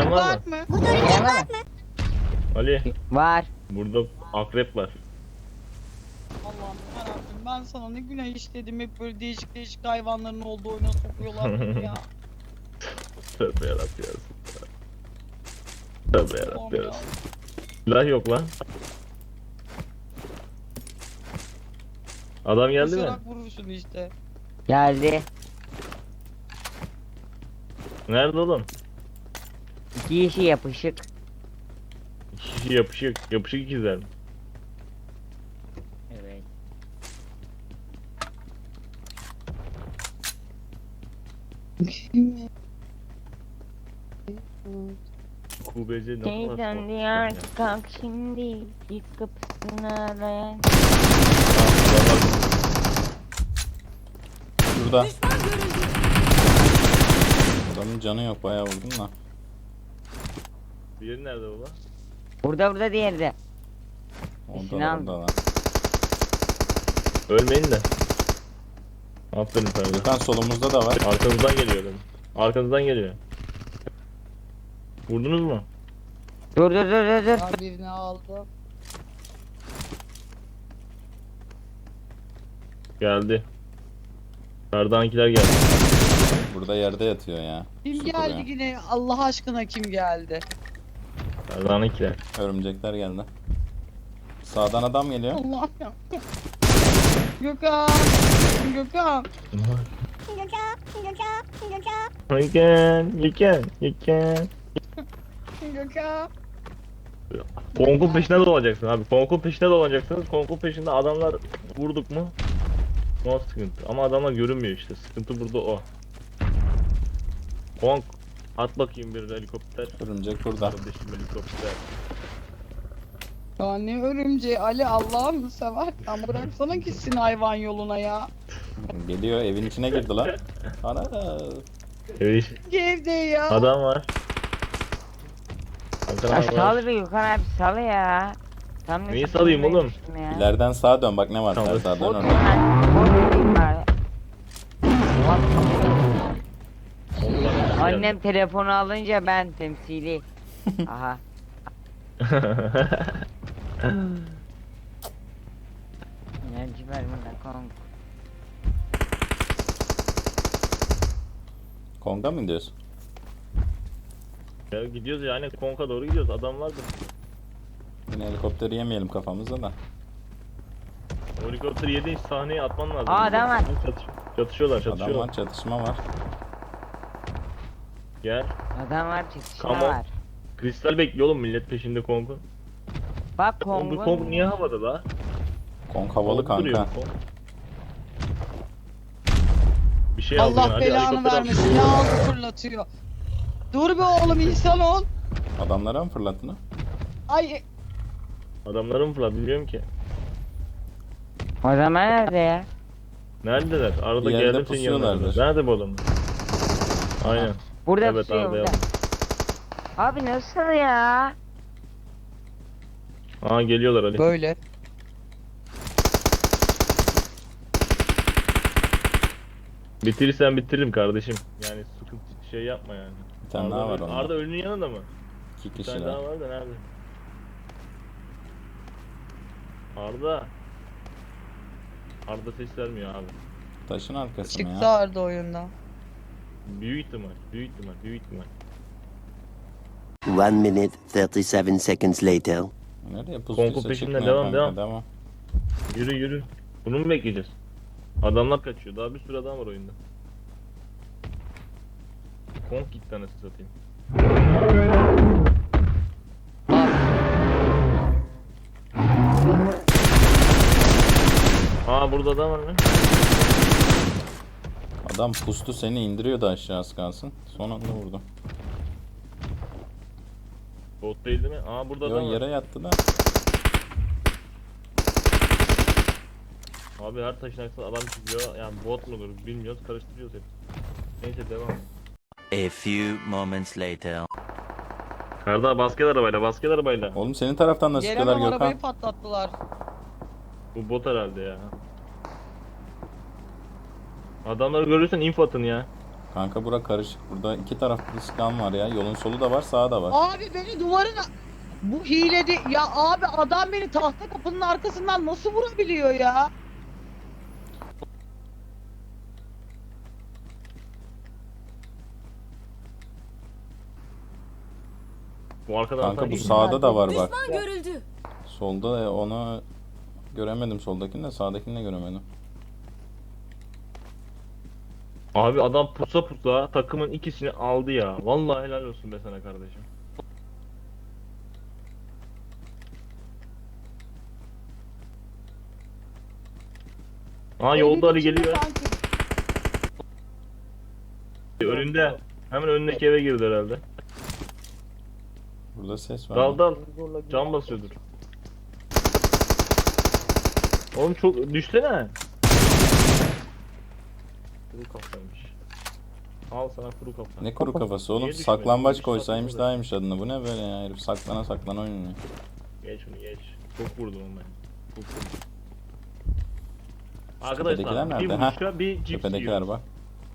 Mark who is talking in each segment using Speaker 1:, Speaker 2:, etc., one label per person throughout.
Speaker 1: Gelen var mı?
Speaker 2: Gelen var mı?
Speaker 1: Ali,
Speaker 2: Var.
Speaker 1: burada akrep var.
Speaker 3: Allah'ım yarabbim, ben sana ne günah işledim, hep böyle değişik değişik hayvanların olduğu oyuna sokuyorlar beni ya.
Speaker 1: Tövbe yarabbim ya. Tövbe yarabbim
Speaker 3: Allah'ım
Speaker 1: ya.
Speaker 3: ya.
Speaker 1: Silah yok lan. Adam geldi mi?
Speaker 3: Koşarak vurursun işte.
Speaker 2: Geldi.
Speaker 1: Nerede oğlum?
Speaker 2: İki kişi yapışık.
Speaker 1: İki kişi yapışık. Yapışık ikizler mi?
Speaker 2: Evet.
Speaker 1: QBC ne kadar
Speaker 2: Teyzem
Speaker 1: korkmuş
Speaker 2: diyar
Speaker 1: ya.
Speaker 2: kalk şimdi git kapısını arayan.
Speaker 4: Şurada. Adamın canı yok, bayağı vurdum da.
Speaker 1: Diğeri nerede baba?
Speaker 2: Burada diğeri de.
Speaker 4: Orada
Speaker 2: İşini
Speaker 4: da,
Speaker 2: al.
Speaker 4: orada da.
Speaker 1: Ölmeyin de. Aferin sana.
Speaker 4: Gökhan solumuzda da var.
Speaker 1: Arkanızdan geliyor adam. Arkanızdan geliyor. Vurdunuz mu?
Speaker 2: Dur.
Speaker 3: Ben birini aldım.
Speaker 1: Geldi. Kardankiler geldi.
Speaker 4: Burada yerde yatıyor ya.
Speaker 3: Kim
Speaker 4: Su
Speaker 3: geldi
Speaker 4: kuruyor.
Speaker 3: yine? Allah aşkına kim geldi?
Speaker 1: Kardankiler.
Speaker 4: Örümcekler geldi. Sağdan adam geliyor.
Speaker 3: Allah'ım ya. Gökhan. Gökhan.
Speaker 1: You can.
Speaker 3: Gökhan.
Speaker 1: Konkun peşinde dolanacaksın abi. Konkun peşinde dolanacaksınız. Konkun peşinde adamlar vurduk mu? No sıkıntı. Ama adamlar görünmüyor işte. Sıkıntı burada o. Konk. At bakayım bir helikopter.
Speaker 4: Örümcek burada.
Speaker 1: Kardeşim helikopter.
Speaker 3: Ya ne örümceği Ali, Allah'ım seversen bıraksana gitsin hayvan yoluna ya.
Speaker 4: Geliyor, evin içine girdi lan. Ana.
Speaker 1: Evet.
Speaker 3: Evde ya.
Speaker 1: Adam var. Hakan
Speaker 2: Ya
Speaker 1: abi var.
Speaker 2: sal bir Gökhan abi sal ya. Tam
Speaker 1: Neyi
Speaker 2: nasıl
Speaker 1: salayım oğlum?
Speaker 2: bilmiyormuşum ya.
Speaker 4: İleriden sağa dön, bak ne var
Speaker 1: Tamam.
Speaker 4: sağda, dön
Speaker 2: Bot
Speaker 4: orada.
Speaker 2: diyeyim bari. Annem telefonu alınca ben temsili. Aha. Enerji ver bana kanka.
Speaker 4: Konga mı gidiyorsun?
Speaker 1: Ya gidiyoruz yani Konk'a doğru gidiyoruz. Adam vardı.
Speaker 4: Yine helikopteri yemeyelim kafamıza da.
Speaker 1: O helikopteri yediğin sahneye atman lazım.
Speaker 2: Aa, adam var.
Speaker 1: Çatışıyorlar,
Speaker 4: Adam
Speaker 1: çatışıyorlar.
Speaker 4: var, çatışma var.
Speaker 1: Gel.
Speaker 2: Adam var çatışma
Speaker 1: Come on.
Speaker 2: var.
Speaker 1: Kristal bekliyor oğlum millet peşinde Konk'un.
Speaker 2: Bak
Speaker 1: Oğlum bu
Speaker 2: Kongo.
Speaker 1: Konk niye havada la?
Speaker 4: Kong havalı
Speaker 1: Konk duruyor
Speaker 4: kanka.
Speaker 1: bu Konk. Bir şey aldın
Speaker 3: Allah
Speaker 1: hadi,
Speaker 3: belanı
Speaker 1: helikopter al.
Speaker 3: vermesin. Ne aldı fırlatıyor. Dur be oğlum, insan ol.
Speaker 4: Adamlara mı fırlattın?
Speaker 3: Ay
Speaker 1: Adamları mı fırlat bilmiyorum ki.
Speaker 2: O zaman nerede ya?
Speaker 1: Neredeler? Arada
Speaker 4: Bir yerde
Speaker 1: geldim senin yanına.
Speaker 4: pusuyorlardır.
Speaker 1: Nerede bu adam? Aynen.
Speaker 2: Burada
Speaker 1: Evet,
Speaker 2: pusuyor
Speaker 1: abi,
Speaker 2: burada. Abi nasıl ya?
Speaker 1: Aa geliyorlar Ali.
Speaker 3: böyle.
Speaker 1: Bitirirsen bitiririm kardeşim. Yani sıkıntı şey yapma yani.
Speaker 4: Bir tane daha var onda.
Speaker 1: Arda ölünün yanında mı?
Speaker 4: İki
Speaker 1: Bir tane
Speaker 4: kişiler.
Speaker 1: daha var da nerede? Arda. Arda ses vermiyor abi.
Speaker 4: Taşın arkası mı
Speaker 3: Çıktı
Speaker 4: ya?
Speaker 3: Arda oyundan.
Speaker 1: Büyük ihtimal, büyük ihtimal, büyük ihtimal.
Speaker 5: 1 minute 37 seconds later.
Speaker 4: Nereye pustuysa
Speaker 1: Konku peşinden
Speaker 4: çıkmıyor
Speaker 1: devam,
Speaker 4: kanka,
Speaker 1: devam.
Speaker 4: devam.
Speaker 1: Yürü yürü. Bunu mu bekleyeceğiz? Adamlar kaçıyor. Daha bir sürü adam var oyunda. Konk gitti anasını satayım. Aa burada adam var mı?
Speaker 4: Adam pustu, seni indiriyordu aşağı az kalsın. Son anda vurdu.
Speaker 1: Bot değil değil mi? Aa burada
Speaker 4: Yo,
Speaker 1: adam var.
Speaker 4: yere yattı da.
Speaker 1: Abi her taşın arkasında adam çıkıyor. Yani bot mudur bilmiyoruz. Karıştırıyoruz hep. Neyse devam.
Speaker 5: A few moments later.
Speaker 1: Karda basket arabayla, basket arabayla.
Speaker 4: Oğlum senin taraftan da sıkıyorlar
Speaker 3: Gelemem,
Speaker 4: Gökhan.
Speaker 3: arabayı patlattılar.
Speaker 1: Bu bot herhalde ya. Adamları görürsen info atın ya.
Speaker 4: Kanka bura karışık. Burada iki taraflı sıkan var ya. Yolun solu da var, sağı da var.
Speaker 3: Abi beni duvarına... Bu hilede... Ya abi adam beni tahta kapının arkasından nasıl vurabiliyor ya?
Speaker 1: Bu arkadan
Speaker 4: Kanka
Speaker 1: atan
Speaker 4: bu
Speaker 1: iyi.
Speaker 4: sağda da var bak.
Speaker 6: Düşman görüldü.
Speaker 4: Solda onu göremedim, soldakini de sağdakini de göremedim.
Speaker 1: Abi adam pusa pusa takımın ikisini aldı ya. Vallahi helal olsun be sana kardeşim. Aa yolda Ali geliyor. Önünde. Hemen önündeki eve girdi herhalde.
Speaker 4: Burada ses var.
Speaker 1: Dal dal. Can basıyordur. Oğlum çok düşsene. Kuru kafaymış. Al sana kuru kafa.
Speaker 4: Ne kuru kafası oğlum,
Speaker 1: Niye düşmedi?
Speaker 4: saklambaç
Speaker 1: Düş
Speaker 4: koysaymış
Speaker 1: saklambaç.
Speaker 4: daha iyiymiş adını. Bu ne böyle ya, herif saklana saklana oynuyor.
Speaker 1: Geç şunu geç. Çok vurdum onu ben. Çok vurdum.
Speaker 4: Tepedekiler
Speaker 1: Arkadaşlar bir
Speaker 4: nerede?
Speaker 1: vuruşa bir cips
Speaker 4: Tepedekiler
Speaker 1: yiyoruz.
Speaker 4: bak.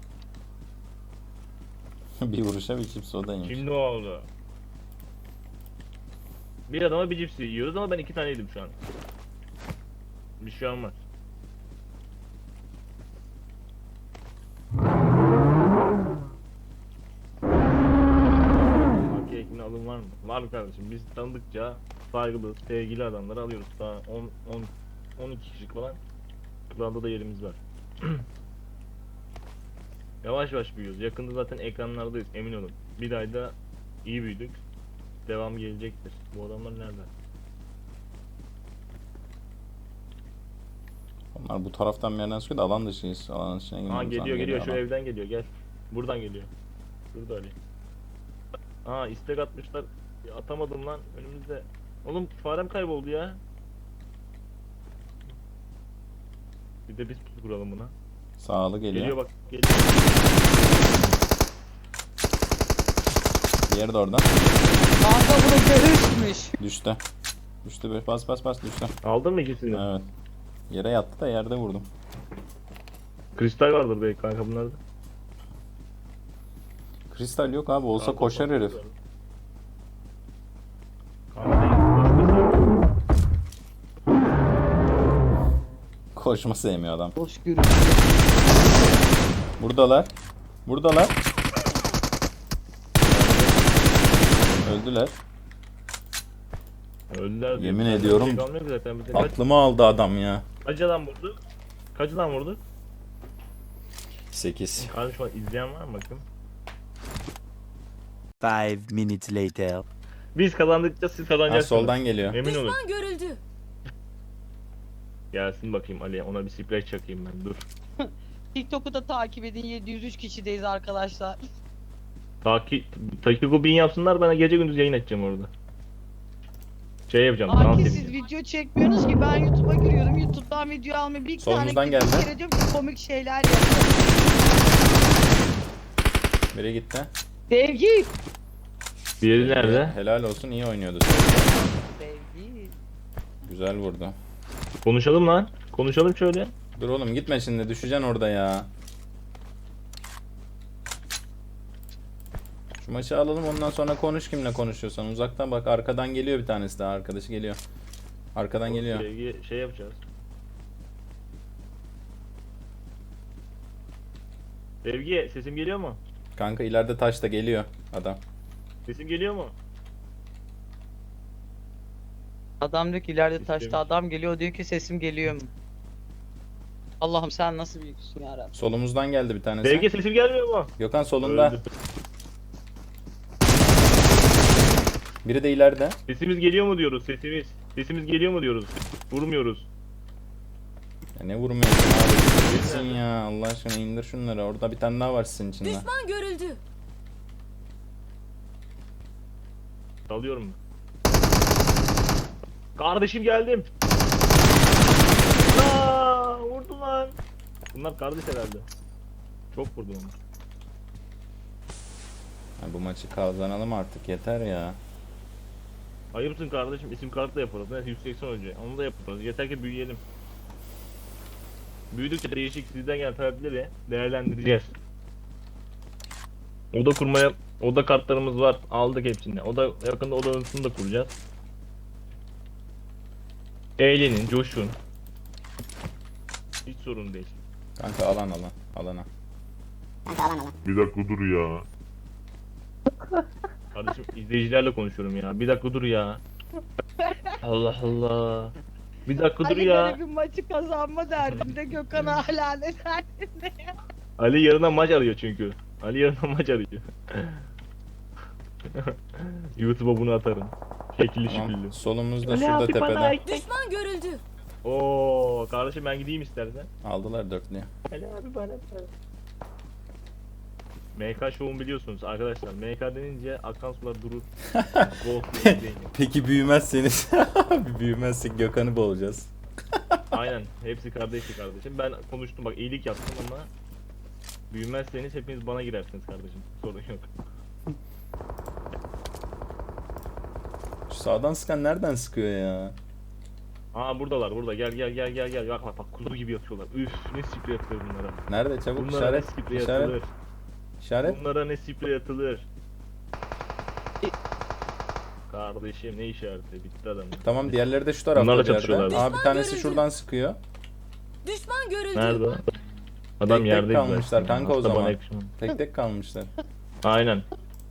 Speaker 4: Bir vuruşa bir cips o da iyiymiş.
Speaker 1: Şimdi oldu. Bir adama bir cips yiyoruz ama ben 2 tane yedim şu an. Bir şey olmaz. Marka ekmeğine alım var mı? Var mı kardeşim? Biz tanıdıkça saygılı, sevgili adamları alıyoruz. Daha 12 kişi falan. Kuralda da yerimiz var. Yavaş yavaş büyüyoruz. Yakında zaten ekranlardayız, emin olun. Bir ayda iyi büyüdük. Devam gelecektir. Bu adamlar nerede?
Speaker 4: Onlar bu taraftan bir yerden sıkıyor da alan dışıyız. Alan dışına
Speaker 1: Aa
Speaker 4: girmemiz
Speaker 1: geliyor
Speaker 4: lazım.
Speaker 1: geliyor şu
Speaker 4: adam.
Speaker 1: evden geliyor gel. Buradan geliyor. Şurada Ali. Aa istek atmışlar. Ya, atamadım lan önümüzde. Oğlum farem kayboldu ya. Bir de biz pusu kuralım buna.
Speaker 4: Sağlı geliyor.
Speaker 1: Geliyor bak geliyor.
Speaker 4: Diğeri de oradan.
Speaker 3: Kanka bunu görüşmüş.
Speaker 4: Düştü. Düştü be. Bas bas bas düştü.
Speaker 1: Aldın mı ikisini?
Speaker 4: Evet. Yere yattı da yerde vurdum.
Speaker 1: Kristal vardır belki kanka bunlarda.
Speaker 4: Kristal yok abi. Olsa
Speaker 1: Kanka,
Speaker 4: koşar
Speaker 1: bak-
Speaker 4: herif.
Speaker 1: Kanka değil,
Speaker 4: Koşma sevmiyor adam.
Speaker 3: Boş görüş.
Speaker 4: Buradalar. Buradalar. Öldüler.
Speaker 1: öldüler diyor.
Speaker 4: Yemin
Speaker 1: Zaten
Speaker 4: ediyorum.
Speaker 1: bir şey kalmıyor ki zaten. Bize kaç
Speaker 4: Aklımı aldı adam ya.
Speaker 1: adam vurdu? Kaç adam vurdu?
Speaker 4: 8.
Speaker 1: Kardeşim şu an izleyen var mı bakın?
Speaker 5: 5 minutes later.
Speaker 1: Biz kazandıkça siz
Speaker 4: Ha,
Speaker 1: kazanacaksınız.
Speaker 4: soldan geliyor.
Speaker 1: Emin olun.
Speaker 6: Düşman görüldü.
Speaker 1: Gelsin bakayım Ali, ona bir splash çakayım ben, dur.
Speaker 3: TikTok'u da takip edin. 703 kişideyiz arkadaşlar.
Speaker 1: Takiko 1000 yapsınlar, ben gece gündüz yayın açacağım orada. Şey yapacağım, dans
Speaker 3: Sanki siz
Speaker 1: edeceğim.
Speaker 3: video çekmiyorsunuz ki, ben YouTube'a giriyorum. YouTube'dan video almayı bir
Speaker 4: Solumuzdan
Speaker 3: tane
Speaker 4: geldi.
Speaker 3: bir kere diyorum ki komik şeyler yapıyorum.
Speaker 4: Biri gitti.
Speaker 3: Sevgi.
Speaker 1: Diğeri nerede?
Speaker 4: Helal olsun, iyi oynuyordu.
Speaker 3: Sevgi.
Speaker 4: Güzel vurdu.
Speaker 1: Konuşalım lan. Konuşalım şöyle.
Speaker 4: Dur oğlum gitme şimdi, düşeceksin orada ya. Şu maçı alalım, ondan sonra konuş kimle konuşuyorsan. Uzaktan bak, arkadan geliyor bir tanesi daha, arkadaşı geliyor. Arkadan geliyor.
Speaker 1: Sevgi şey yapacağız. Sevgi sesim geliyor mu?
Speaker 4: Kanka ileride taşta geliyor adam.
Speaker 1: Sesim geliyor mu?
Speaker 3: Adam diyor ki ileride
Speaker 1: Sistemiş.
Speaker 3: taşta adam geliyor, diyor ki sesim geliyor mu? Allah'ım sen nasıl büyüksün yarabbim.
Speaker 4: Solumuzdan geldi bir tanesi.
Speaker 1: Sevgi sesim gelmiyor mu?
Speaker 4: Gökhan solunda.
Speaker 1: Öldü.
Speaker 4: Biri de ileride.
Speaker 1: Sesimiz geliyor mu diyoruz, sesimiz. Sesimiz geliyor mu diyoruz. Vurmuyoruz.
Speaker 4: Ya ne vurmuyorsun abi? Gitsin ya, Allah aşkına indir şunları. Orada bir tane daha var sizin içinde.
Speaker 6: Düşman görüldü.
Speaker 1: Dalıyorum. Kardeşim geldim. Aa, vurdu lan. Bunlar kardeş herhalde. Çok vurdu onu.
Speaker 4: Ha, bu maçı kazanalım artık, yeter ya.
Speaker 1: Ayıpsın kardeşim, isim kartla yaparız. Neyse 180 önce. Onu da yaparız. Yeter ki büyüyelim. Büyüdükçe değişik sizden gelen talepleri değerlendireceğiz. Oda kurmaya, oda kartlarımız var. Aldık hepsini. Oda yakında oda odasını da kuracağız. Eğlenin, coşun. Hiç sorun değil.
Speaker 4: Kanka alan. Alana.
Speaker 1: Bir dakika dur ya. Kardeşim izleyicilerle konuşuyorum ya. Bir dakika dur ya. Allah Allah. Bir dakika dur
Speaker 3: Ali
Speaker 1: ya.
Speaker 3: böyle bir maçı kazanma derdinde, Gökhan hala ne derdinde ya.
Speaker 1: Ali yarına maç arıyor çünkü. Ali yarına maç arıyor. YouTube'a bunu atarım. Şekilli şekilli.
Speaker 4: Tamam. Solumuzda şurada tepede.
Speaker 6: Düşman görüldü.
Speaker 1: Oo kardeşim ben gideyim istersen.
Speaker 4: Aldılar dörtlüyü.
Speaker 1: Ali abi bana MK Show'un biliyorsunuz arkadaşlar. MK denince akan sular durur. Ghost izleyin.
Speaker 4: Peki büyümezseniz? Büyümezsek Gökhan'ı boğacağız.
Speaker 1: Aynen. Hepsi kardeşi kardeşim. Ben konuştum bak iyilik yaptım ama büyümezseniz hepiniz bana girersiniz kardeşim. Sorun yok.
Speaker 4: Şu sağdan sıkan nereden sıkıyor ya?
Speaker 1: Aa buradalar burada. Gel. Bak kuzu gibi yatıyorlar. Üf ne sprey atılır bunlara.
Speaker 4: Nerede çabuk
Speaker 1: Bunlara ne
Speaker 4: işaret?
Speaker 1: sprey
Speaker 4: İşaret.
Speaker 1: atılır.
Speaker 4: İşaret.
Speaker 1: Bunlara ne sprey atılır. Kardeşim ne işareti bitti adam.
Speaker 4: Tamam diğerleri de şu tarafta
Speaker 1: Bunlarla
Speaker 4: bir yerde.
Speaker 1: çatışıyorlar.
Speaker 4: Aa bir tanesi
Speaker 6: görüldü.
Speaker 4: şuradan sıkıyor.
Speaker 6: Düşman görüldü.
Speaker 1: Nerede o? Adam
Speaker 4: Tek
Speaker 1: yerdeydi
Speaker 4: kalmışlar
Speaker 1: zaten.
Speaker 4: kanka o
Speaker 1: Hasta bana
Speaker 4: zaman.
Speaker 1: yakışmadı.
Speaker 4: Tek kalmışlar.
Speaker 1: Aynen.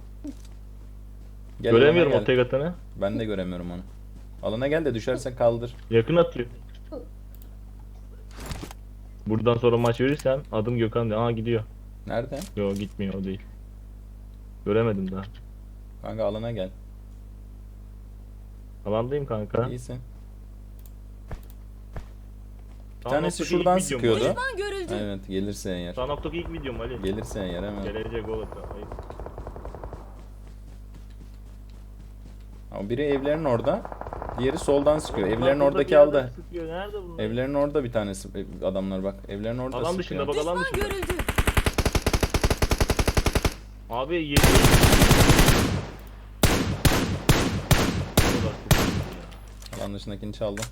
Speaker 4: Gel
Speaker 1: Göremiyorum
Speaker 4: alana
Speaker 1: o
Speaker 4: gel.
Speaker 1: tek atanı.
Speaker 4: Ben de göremiyorum onu. Alana gel de düşersen kaldır.
Speaker 1: Yakın atıyor. Buradan sonra maç verirsem adım Gökhan diye. Aa gidiyor.
Speaker 4: Nerede?
Speaker 1: Yo gitmiyor o değil. Göremedim daha.
Speaker 4: Kanka alana gel.
Speaker 1: Alandayım kanka.
Speaker 4: İyisin. Bir
Speaker 1: Sağ
Speaker 4: tanesi
Speaker 1: noktaki
Speaker 4: şuradan
Speaker 1: ilk videom
Speaker 4: sıkıyordu.
Speaker 1: Ali.
Speaker 6: Düşman görüldü.
Speaker 4: Evet gelirse eğer.
Speaker 1: Sağ noktaki ilk videom Ali.
Speaker 4: Gelirse eğer hemen.
Speaker 1: Gelecek gol atıyor. Ayıp.
Speaker 4: Ama biri evlerin orada. Diğeri soldan sıkıyor.
Speaker 1: Bunlar
Speaker 4: Evlerin
Speaker 1: burada
Speaker 4: oradaki
Speaker 1: bir yerden
Speaker 4: aldı.
Speaker 1: sıkıyor. Nerede bunlar?
Speaker 4: Evlerin orada bir tanesi adamlar bak. Evlerin orada
Speaker 1: Alan
Speaker 4: sıkıyor.
Speaker 1: dışında bak alan
Speaker 6: Düşman
Speaker 1: dışında.
Speaker 6: görüldü.
Speaker 1: Abi yedi.
Speaker 4: Alan dışındakini çaldım.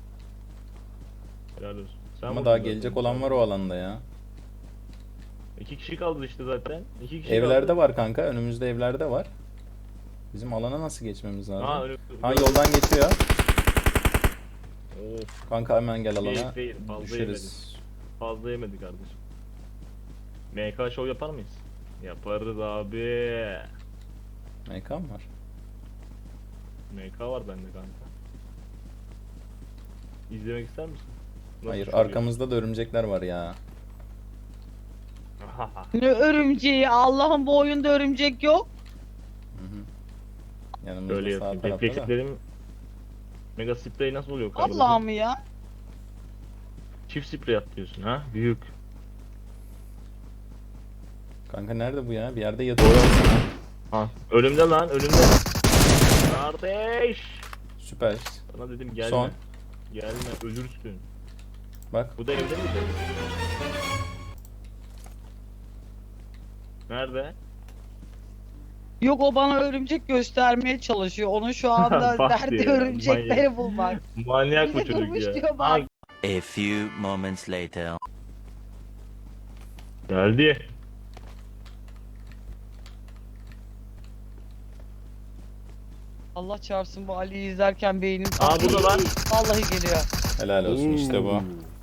Speaker 1: Helal olsun. Sen
Speaker 4: Ama
Speaker 1: vurdun
Speaker 4: daha
Speaker 1: zaten.
Speaker 4: gelecek olan var o alanda ya.
Speaker 1: 2 kişi kaldı işte zaten. 2 kişi
Speaker 4: Evlerde
Speaker 1: kaldı.
Speaker 4: var kanka. Önümüzde evlerde var. Bizim alana nasıl geçmemiz lazım?
Speaker 1: Ha, öyle,
Speaker 4: Ha yoldan geçiyor.
Speaker 1: Of,
Speaker 4: Kanka hemen gel alana.
Speaker 1: değil, fazla
Speaker 4: Düşeriz.
Speaker 1: fazla yemedi kardeşim. MK show yapar mıyız? Yaparız abi.
Speaker 4: MK mı var?
Speaker 1: MK var bende kanka. İzlemek ister misin? Nasıl
Speaker 4: Hayır
Speaker 1: show
Speaker 4: arkamızda da örümcekler var ya.
Speaker 1: yapıyor?
Speaker 3: Ne örümceği, Allah'ım bu oyunda örümcek yok.
Speaker 4: Yanımızda
Speaker 1: Öyle
Speaker 4: sağ
Speaker 1: yapayım.
Speaker 4: tarafta da.
Speaker 1: Reflekslerim Mega sprey nasıl oluyor kardeşim?
Speaker 3: Allah'ım ya.
Speaker 1: Çift sprey atlıyorsun ha? Büyük.
Speaker 4: Kanka nerede bu ya? Bir yerde yatıyor.
Speaker 1: Ha. Ölümde lan ölümde. Kardeş.
Speaker 4: Süper.
Speaker 1: Sana dedim gelme.
Speaker 4: Son.
Speaker 1: Gelme ölürsün.
Speaker 4: Bak
Speaker 1: Bu da evde mi? Nerede?
Speaker 3: Yok o bana örümcek göstermeye çalışıyor. Onun şu anda
Speaker 1: Bak
Speaker 3: derdi
Speaker 1: ya,
Speaker 3: örümcekleri bulmak.
Speaker 1: Manyak bu
Speaker 3: Bize
Speaker 1: çocuk
Speaker 3: durmuş
Speaker 1: ya.
Speaker 3: diyor bak.
Speaker 1: Ha,
Speaker 5: A few moments later.
Speaker 1: geldi.
Speaker 3: Allah çarpsın bu Ali'yi izlerken beynim
Speaker 1: Aa burada lan.
Speaker 3: Vallahi geliyor.
Speaker 4: helal olsun işte bu.